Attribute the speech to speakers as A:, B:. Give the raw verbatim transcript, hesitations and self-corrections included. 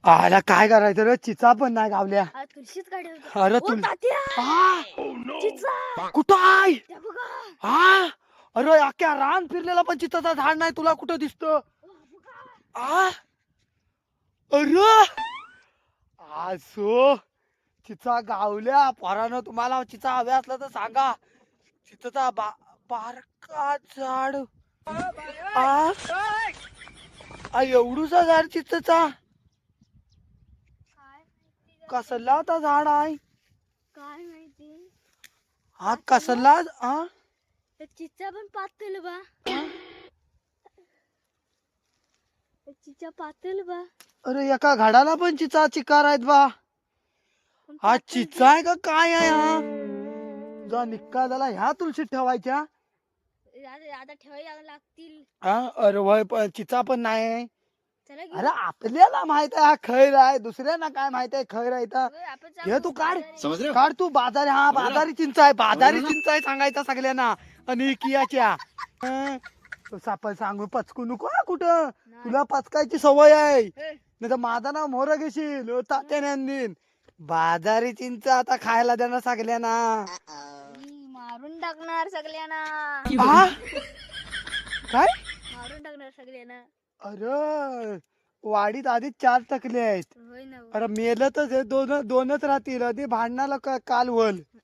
A: आला काय करायचं रे, चिचा पण नाही गावल्या.
B: हा तुळशीच गाडी होती.
A: अरे
B: ओ,
A: तुल
B: तात्या!
A: हा
B: चिचा!
A: कुठं आहे?
B: त्या बघा.
A: हा अरे अख्ख्या रान फिरलेला पण चिचाचा झाड नाही, तुला कुठं दिसतं?
B: ओ, बघा.
A: आ अरे असो चिचा गावल्या पोरानं. तुम्हाला चिचा हव्या असला तर सांगा. चिचाचा बा बारका झाड. आ आ, एवढूसा झाड चिचाचा.
B: काय माहिती
A: कसला आता झाड आहे?
B: काय माहिती
A: हा कसला हा
B: त्या चिचा पण पातळ बा. त्या चिचा पातळ बा.
A: अरे एका झाडाला पण चिचा चिकार आहेत बा.
B: पण
A: हा
B: पातळ
A: चिचा आहे का काय आहे हा? तुझा निक्का झाला ह्या तुळशीत ठेवायच्या.
B: आता आता ठेवायला लागतील.
A: हा अरे वय पण चिचा पण नाही.
B: चला
A: अरे
B: घेऊ.
A: आपल्याला माहित आहे हा खैर आहे, दुसऱ्यांना काय माहित आहे खैर आहे तर.
B: होय, आपण
A: घे
B: जाऊ
A: तू काढ
B: बाजारात.
A: काढ तू बाजारी. हा बाजारी चिंच आहे, बाजारी चिंच आहे सांगायचा सगळ्यांना. आणि कियाच्या हं, तो साप सांगू पचकू नको हा कुठं.
B: नाही.
A: तुला पचकायची सवय आहे,
B: हे,
A: नाही तर माझं नाव मोर घेशील. ओ तात्याने आणीन बाजारी चिंच आता खायला देणार सगळ्यांना.
B: मी मारून टाकणार सगळ्यांना.
A: हा काय?
B: मारून टाकणार सगळ्यांना.
A: अरे वाडीत आधीच चार टकले आहेत.
B: होय ना.
A: अरे मेलं तर हे दोन दोनच राहतील. आधी भांडणाला का- काल वल